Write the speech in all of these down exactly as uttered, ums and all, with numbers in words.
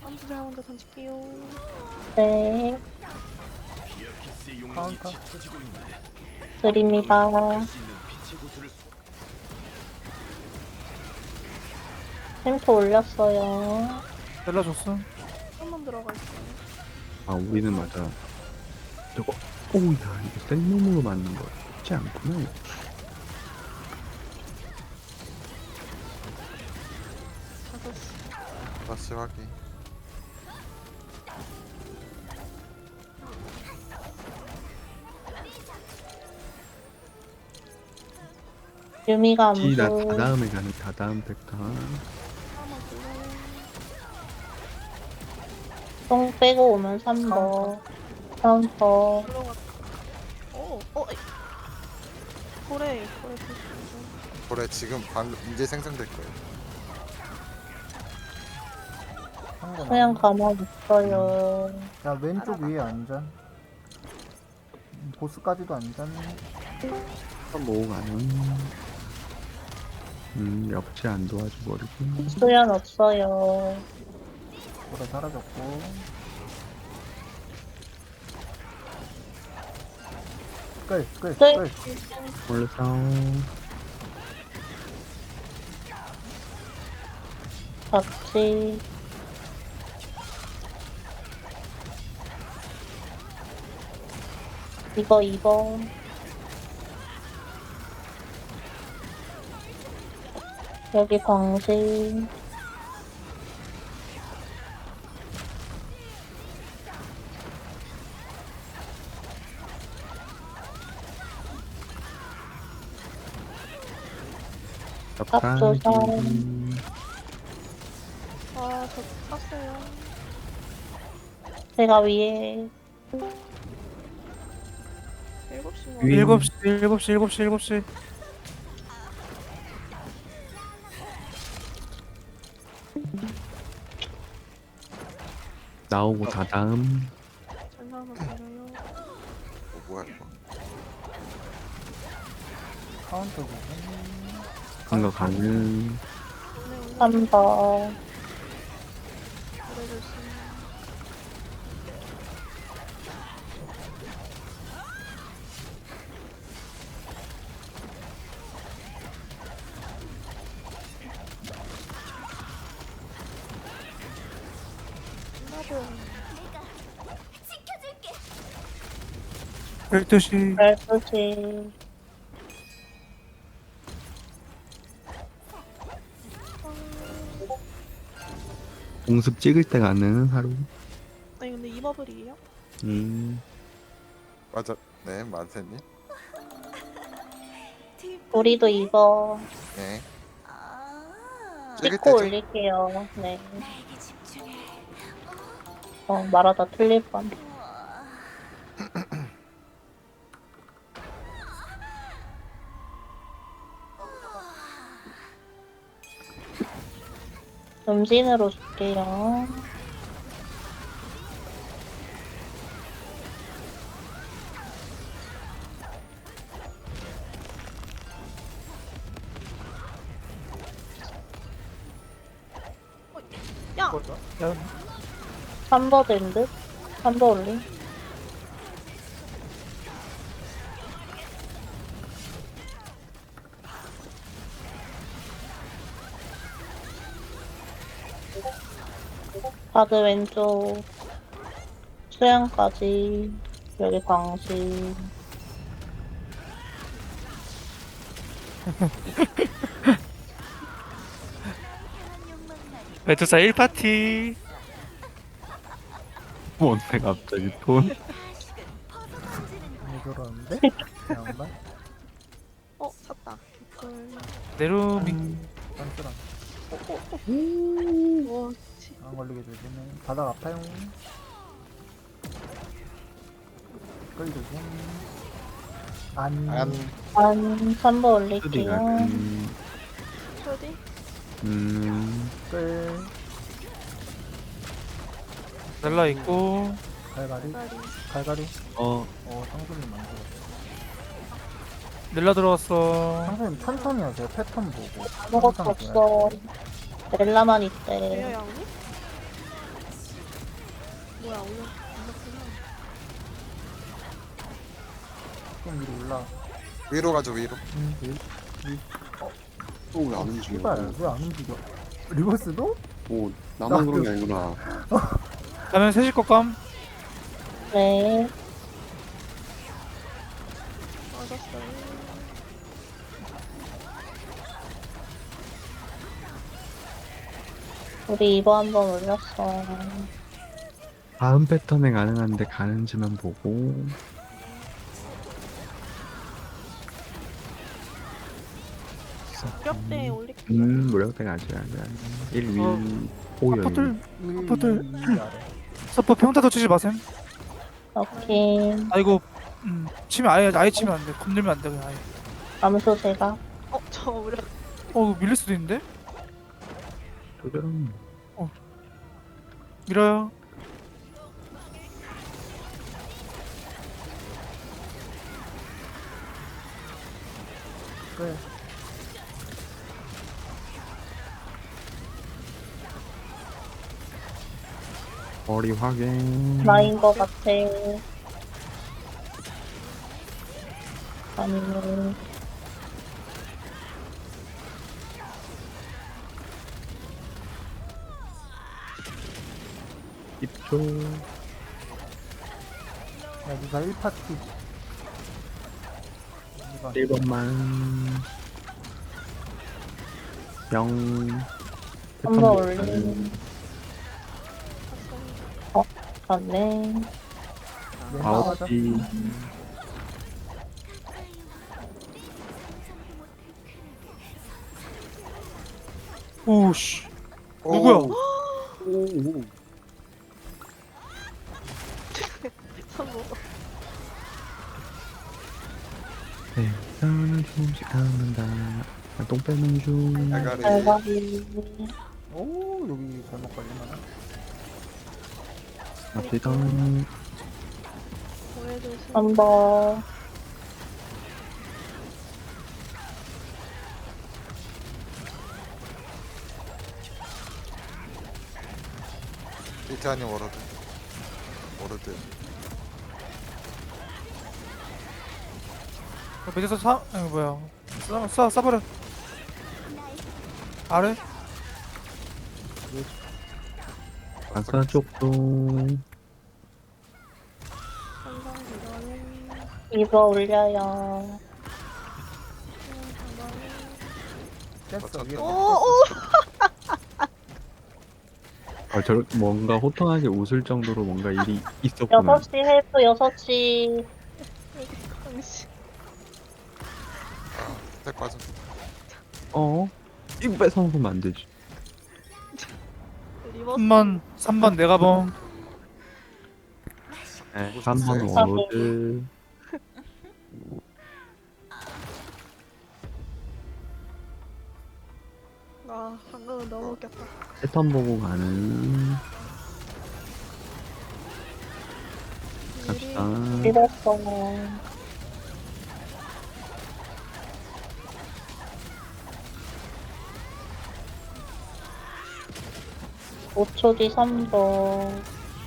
암수를 먼저 던질게요. 네, 카운터. 드립니다. 템포 올렸어요. 잘라줬어. 한번 들어가 있어요. 아 우리는 맞아 저거 오야 이거 센몸으로 맞는 거 쉽지 않구나 이거. 다섯 시. 다시 확인. 유미가 암수. 지 나 다다음에 가는 다다음 팩타 하나 불러요. 똥 빼고 오면 삼 번. 카운터. 들어갔다. 오, 어, 에이. 고래, 고래 보시죠. 그래 지금 방금 이제 생성될 거예요. 그냥 가만히 있어요. 야 왼쪽 알아봐. 위에 안전. 음, 보스까지도 안전. 뭐 가는 음 역시 안 도와줘 버리고 수연 없어요. 보다 사라졌고. 끌, 끌, 끌. 끌. 올라서 같이. 이거 이 번. 여기 광신. 적당 앞서서. 아, 저 땄어요. 제가 위에. 일곱 시 뭐. 위- 일곱 시, 일곱 시, 일곱 시, 일곱 시. 나오고 다다음 전사 하나 드려요. 어, 뭐야 이거? 카운터 부분. 큰거 가는 올래, 올래. 삼 번. 고래 조심. 나도. 열두 시. 열두 시. 공습 찍을 때 가는 하루 아니, 근데 이 버블이에요? 음 맞아. 네 만세님. 우리도 이거 네. 찍을 찍고 때죠? 올릴게요. 네. 어, 말하다 틀릴 뻔. 음진으로 줄게요. 야! 삼 번 된 듯? 삼 번 올림. 바드 왼쪽. 수양까지. 여기 광신. 메두사 일 파티. 뭔데 갑자기 돈 왜 저러는데? 양반? 어, 샀다. 헐. 네루밍. 딴스랑. 와, 씨. 안 걸리게 조심해. 바닥 아파요. 끌 조심. 안. 안 한 삼 번 수디 올릴게요. 가는 초디? 음 끌. 날라 있고. 갈갈이. 다리. 갈갈이. 어 어, 상수님 만들었어. 넬라 들어왔어. 상수님 천천히 하세요. 패턴 보고. 아무것도 항상 없어. 렐라만 왜요, 있대. 양님? 뭐야 올려 올렸구나. 좀 위로 올라. 위로 가죠 위로. 응, 위, 위. 또 왜 안 움직여? 씨발, 왜 안 움직여? 리버스도? 오, 나만 그런 게 아니구나. 가면 셋일 것감. 네. 맞았어요. 우리 이거 한번 올렸어. 다음 패턴에 가능한데 가는지만 보고. 무력대 올릴게요. 음, 무력대가 아직 아직 아직. 일 위. 어. 오, 여기. 아파트 아파트. 이 아래. 서퍼 평타도 치지 마셈. 오케이. 아 이거 음 치면 아예 아예 치면 안 돼. 건들면 안 돼. 그냥 아예. 암수 제가. 어, 저 무력. 어 이거 밀릴 수도 있는데. 조절은 밀어요. 그래. 거리 확인. 나인 거 같아. 아니면 십 초. 여기가 일 파티. 이번. 일 번만. 영. 한번 올린. 어, 맞네. 왼쪽 아홉 시. 오씨. 오, 누구야? 오, 성공. 네, 나는 조금씩 갖는다. 똥 빼는 중. 대가리. 대박이. 오, 여기 잘못 걸리면. 갑시다. 보여주세요. 한 번. 이태 아니 워러드. 워러드. 매제서 사 아니 뭐야. 싸, 싸, 싸버려. 아래? 아까 쪽도. 항상 이거는 이거 올려요. 깼어, 위에. 오, 오. 아, 저 뭔가 호탕하게 웃을 정도로 뭔가 일이 있었구나. 여섯 시 헬프 여섯 시. 당신. 아, 스택 빠져. 어? 이거 뺏어먹으면 안 되지. 리버스. 삼 번 삼 번 내가 범. 네, 삼 번 네. 워로드. 아, 방금은 너무 웃겼다. 패턴 보고 가는. 갑시다. 밀었어. 오 초 뒤 삼 번.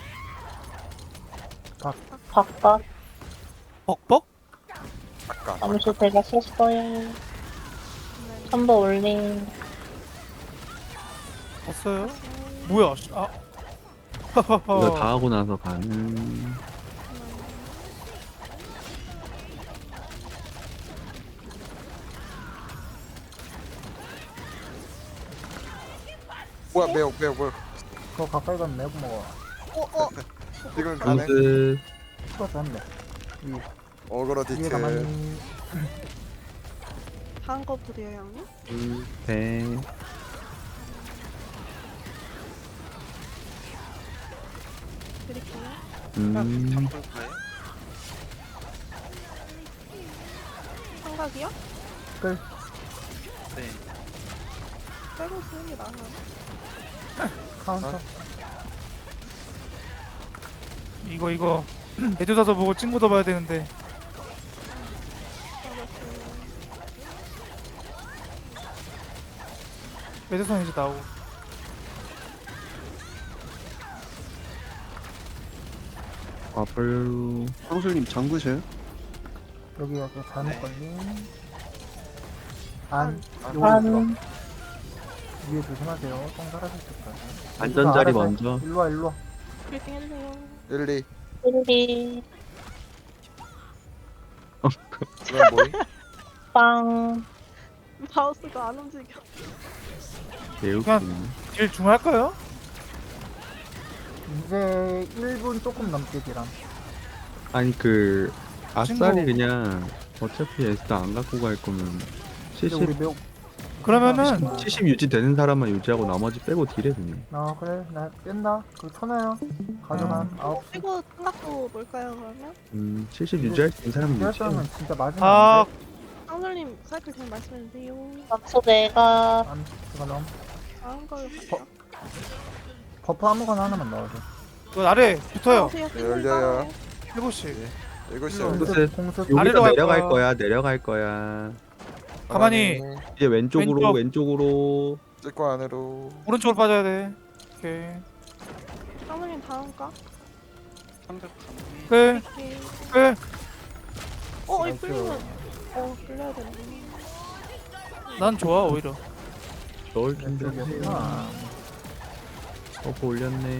각. 각각 벅벅? 아까. 암수 제가 썼어요. 삼 번 올린. 봤어요? 뭐야? 씨, 아. 이거 다 하고 나서 가는. 뭐야 매우 매우 매우. 그거 가까이 가면 내고 먹어. 어, 어. 지금 가네. 로드. 추가 줬네. 위. 어그로 위에 디테일. 가만히. 다음 거 부려요, 형님? 둘, 셋. 드릴게요. 음. 삼각이요? 끌. 빼고 쓰는 게 나아요. 카운터. 이거 이거 매주사서 보고 친구 더 봐야 되는데. 매주선 이제 나오고. 와플. 황술님 잠그셔요? 여기 여기 잘못 걸림. 안. 안. 요거 한, 위에 조심하세요. 똥 사라질 때까지. 안전자리 알아서 해. 먼저. 일로와 일로와. 브리핑 해주세요. 일, 이. 일리, 그럼 뭐이? 빵. 마우스가 안 움직여. 개웃기네. 딜 중할까요? 이제 일 분 조금 넘게 딜함. 아니 그 아싸리 친구. 그냥 어차피 에스도 안 갖고 갈 거면 근데 칠십 우리 매우. 그러면은 칠십 유지 되는 사람만 유지하고 나머지 빼고 딜해 그냥. 아 그래 나 뺀다. 그거 쳐놔요. 가져간 아홉 시. 이거 끝났고 뭘까요 그러면? 음 칠십 유지할 수 있는 사람은 이럴 유지해. 사람은 진짜 맞으면 아 안 돼. 상설님 사이클 그냥 말씀해주세요. 맞춰 내가, 안 제가 넘. 다음 걸 어? 버프 아무거나 하나만 넣어줘. 그 아래 붙어요. 나오세요. 네, 열려요. 일곱 시. 일곱 시. 일로. 공습. 공습. 여기서 아래로 갈 내려갈 거야. 거야. 내려갈 거야. 가만히. 이제 왼쪽으로 왼쪽. 왼쪽으로. 찍고 안으로. 오른쪽으로 빠져야 돼. 오케이. 상설님 다음 거. 끝. 오케이. 끝. 어, 이 나이스. 끌리면 어 끌려야 되는데. 난 좋아 오히려. 넣을 텐데. 왼쪽이었구나. 버프 올렸네.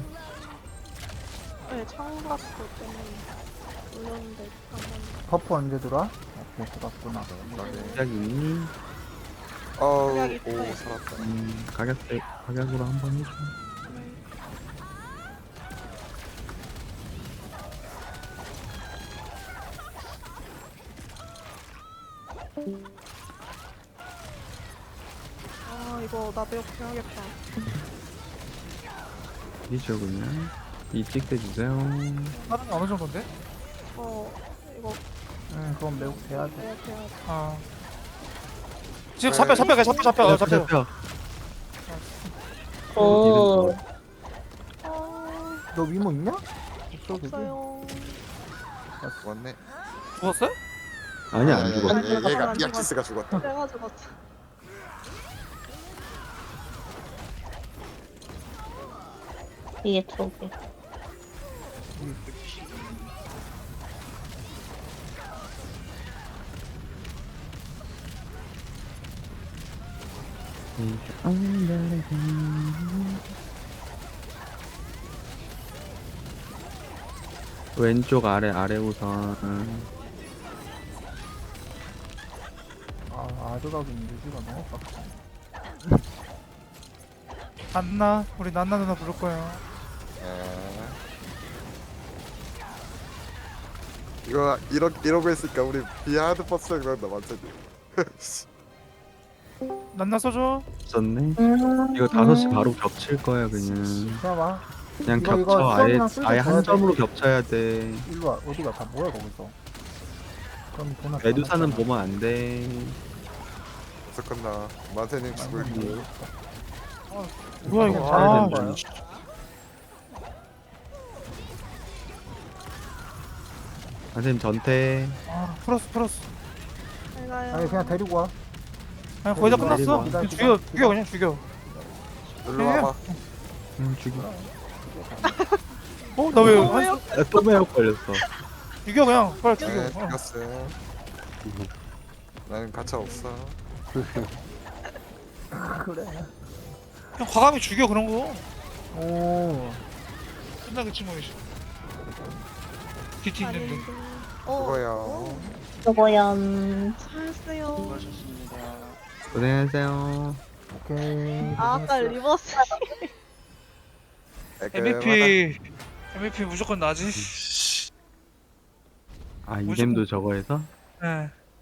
네, 창밖 때문에 올렸는데 한번. 버프 언제 들어와? 오케이 들어왔구나. 시작 있니? 어우, 생각이 오, 있어요. 살았다. 음 가격 대 가격으로 한번 해줘. 아 이거 나 배역 해야겠다. 이죠 그냥. 이찍 대주세요. 다른 어느 정도인데? 어 이거 응 그건 매우 돼야 돼. 배역 해야 돼. 아. 지금 잡혀 잡혀 잡혀 잡혀 어, 잡혀. 잡혀. 오, 아 너 위모 있냐? 없어 그지? 없어요. 왔네. 죽었어요? 아니 안 죽어. 얘, 얘, 얘가 안 비아키스가 죽었다. 내가 죽었어. 위에 두 개. 왼쪽 아래 아래 우선. 아 아드각인 유지가 너무 빡세. 안나 우리 난나 누나 부를 거예요. 아. 이거 이러, 이러고 있으니까 우리 비하드 버스가 그런다 완전히. 난나 써줘. 썼네. 음, 이거 다섯 시 바로 겹칠 거야 그냥. 봐봐. 그냥 이거, 이거 겹쳐 아예 수업이랑 쓸때 아예 줘야 한 점으로 돼. 겹쳐야 돼. 일로 와. 어디가 다 뭐야 거기서. 그럼 돈 메두사는 보면 안 돼. 어떡했나. 만세님 죽을 기. 뭐야 그냥 이거. 잘 아, 된 거예요. 선생님 전태. 아 플러스 플러스. 잘 가요. 아니 그냥 데리고 와. 그냥 거의 다 기다려, 끝났어. 기다려, 그냥 죽여 기다려. 죽여 그냥 죽여. 일로 와봐. 음, 죽이. 어 나 왜? 어, 왜요? 아, 또 매혹 걸렸어. 죽여 그냥 빨리 죽여. 네, 어. 죽였어. 나는 가차 없어. 그래. 그냥 과감히 죽여 그런 거. 오. 끝나겠지 뭐 이제. 디티 있는데. 어. 그거야. 저거연. 잘했어요. 고생하세요. 오케이. 아 아까 리버스. 엠브이피 엠브이피 무조건 나지. 아, 이 무조건- 겜도 저거 해서? 네.